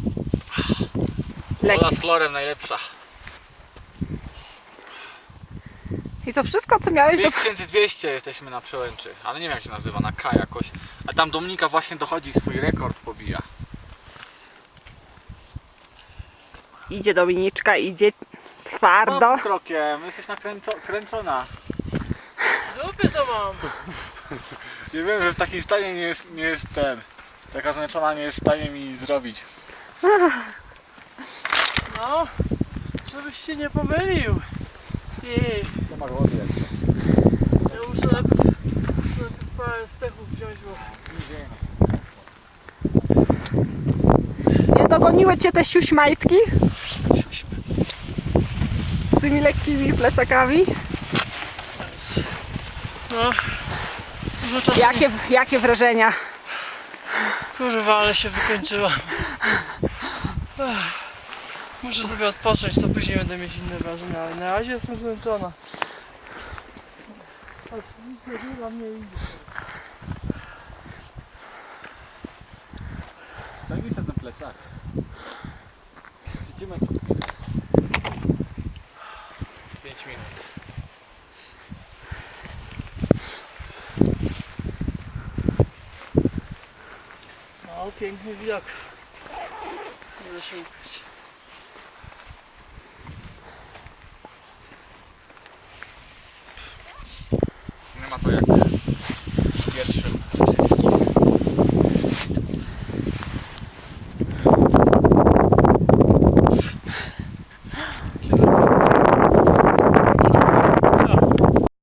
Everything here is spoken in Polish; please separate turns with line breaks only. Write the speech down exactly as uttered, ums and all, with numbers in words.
Leci.
Woda z chlorem najlepsza.
I to wszystko, co miałeś do...
dwa tysiące dwieście jesteśmy na Przełęczy, ale nie wiem jak się nazywa, na K jakoś. A tam Dominika właśnie dochodzi, swój rekord pobija.
Idzie Dominiczka, idzie twardo.
No, krokiem, jesteś nakręcona.
Dupy to mam.
Nie wiem, że w takim stanie nie jest, nie jest ten. Taka zmęczona nie jest w stanie mi zrobić.
No, żebyś się nie pomylił. Ty,
To masz wody jak
ja muszę najpierw, najpierw parę stechów wziąć, bo...
Nie dogoniły cię te siuśmajtki? Z tymi lekkimi plecakami?
No, dużo czasu.
Jakie, jakie wrażenia?
Kurwa, ale się wykończyłam. Ech, muszę sobie odpocząć, to później będę mieć inne wrażenia, ale na razie jestem zmęczona. Oczywiście chyba mnie idzie.
Ciągnij sobie ten plecak. Siedzimy tu pięć minut.
No, piękny widok. Nie da się ukryć.